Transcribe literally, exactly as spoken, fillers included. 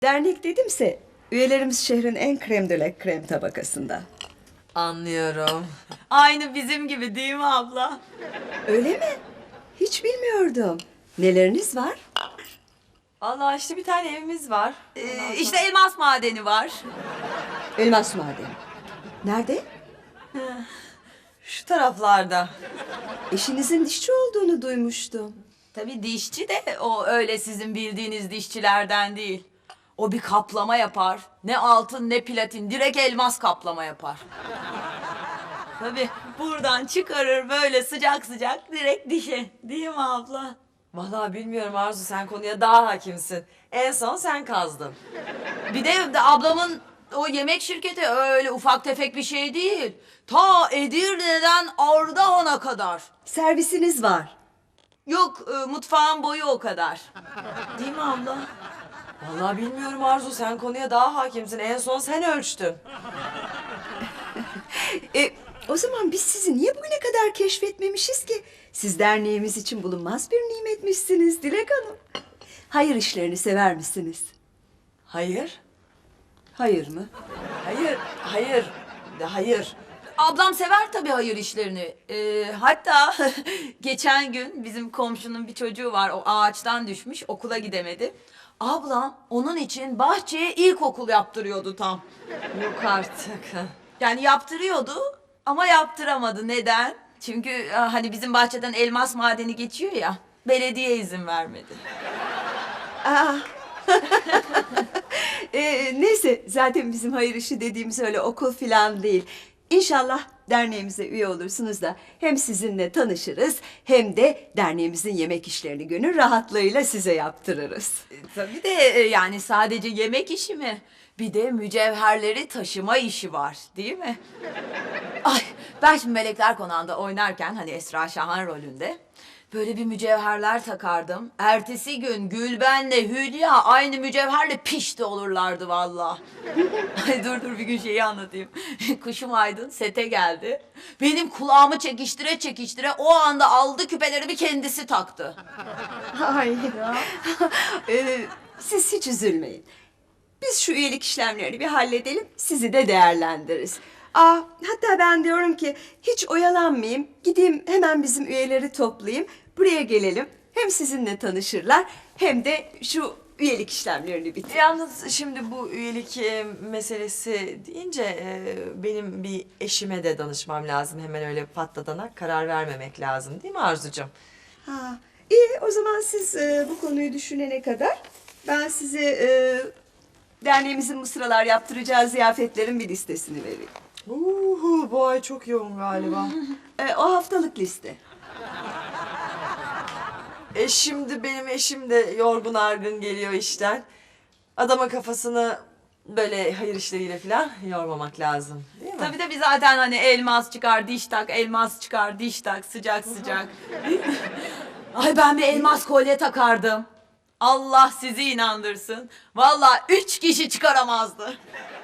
Dernek dedimse üyelerimiz şehrin en krem de la krem tabakasında. Anlıyorum. Aynı bizim gibi değil mi abla? Öyle mi? Hiç bilmiyordum. Neleriniz var? Vallahi işte bir tane evimiz var. Ee, işte elmas madeni var. Elmas madeni. Nerede? Şu taraflarda. Eşinizin dişçi olduğunu duymuştum. Tabii dişçi de o öyle sizin bildiğiniz dişçilerden değil. O bir kaplama yapar. Ne altın ne platin, direkt elmas kaplama yapar. Tabii buradan çıkarır böyle sıcak sıcak direkt dişe. Değil mi abla? Vallahi bilmiyorum Arzu, sen konuya daha hakimsin. En son sen kazdın. Bir de, de ablamın o yemek şirketi öyle ufak tefek bir şey değil. Ta Edirne'den Ardahan'a kadar. Servisiniz var. Yok e, mutfağın boyu o kadar. Değil mi abla? Vallahi bilmiyorum Arzu, sen konuya daha hakimsin. En son sen ölçtün. E, o zaman biz sizi niye bugüne kadar keşfetmemişiz ki? Siz derneğimiz için bulunmaz bir nimetmişsiniz Dilek Hanım. Hayır işlerini sever misiniz? Hayır. Hayır mı? Hayır. Hayır. De hayır. Ablam sever tabii hayır işlerini. Ee, hatta geçen gün bizim komşunun bir çocuğu var. O ağaçtan düşmüş, okula gidemedi. Ablam onun için bahçeye ilkokul yaptırıyordu tam. Yok artık. Yani yaptırıyordu ama yaptıramadı. Neden? Çünkü e, hani bizim bahçeden elmas madeni geçiyor ya. Belediye izin vermedi. Aa. e, neyse zaten bizim hayır işi dediğimiz öyle okul filan değil. İnşallah derneğimize üye olursunuz da hem sizinle tanışırız hem de derneğimizin yemek işlerini gönül rahatlığıyla size yaptırırız. Tabii de e, yani sadece yemek işi mi? Bir de mücevherleri taşıma işi var, değil mi? Ay, ben şimdi Melekler Konağı'nda oynarken hani Esra Şahan rolünde böyle bir mücevherler takardım. Ertesi gün Gülben'le Hülya aynı mücevherle pişti olurlardı vallahi. Ay dur dur bir gün şeyi anlatayım. Kuşum Aydın sete geldi. Benim kulağımı çekiştire çekiştire o anda aldı küpelerimi kendisi taktı. Ay. Ee, siz hiç üzülmeyin. Biz şu üyelik işlemlerini bir halledelim, sizi de değerlendiririz. Aa, hatta ben diyorum ki hiç oyalanmayayım, gideyim hemen bizim üyeleri toplayayım, buraya gelelim. Hem sizinle tanışırlar hem de şu üyelik işlemlerini bitirelim. Yalnız şimdi bu üyelik e, meselesi deyince e, benim bir eşime de danışmam lazım. Hemen öyle patladana karar vermemek lazım, değil mi Arzucuğum? Ha, iyi o zaman siz e, bu konuyu düşünene kadar ben size e, derneğimizin bu sıralar yaptıracağı ziyafetlerin bir listesini vereyim. Uhu, bu ay çok yoğun galiba. E, o haftalık liste. E şimdi benim eşim de yorgun argın geliyor işten. Adama kafasını böyle hayır işleriyle falan yormamak lazım, değil mi? Tabii de biz zaten hani elmas çıkar diş tak, elmas çıkar diş tak sıcak sıcak. Ay ben bir elmas kolye takardım. Allah sizi inandırsın. Vallahi üç kişi çıkaramazdı.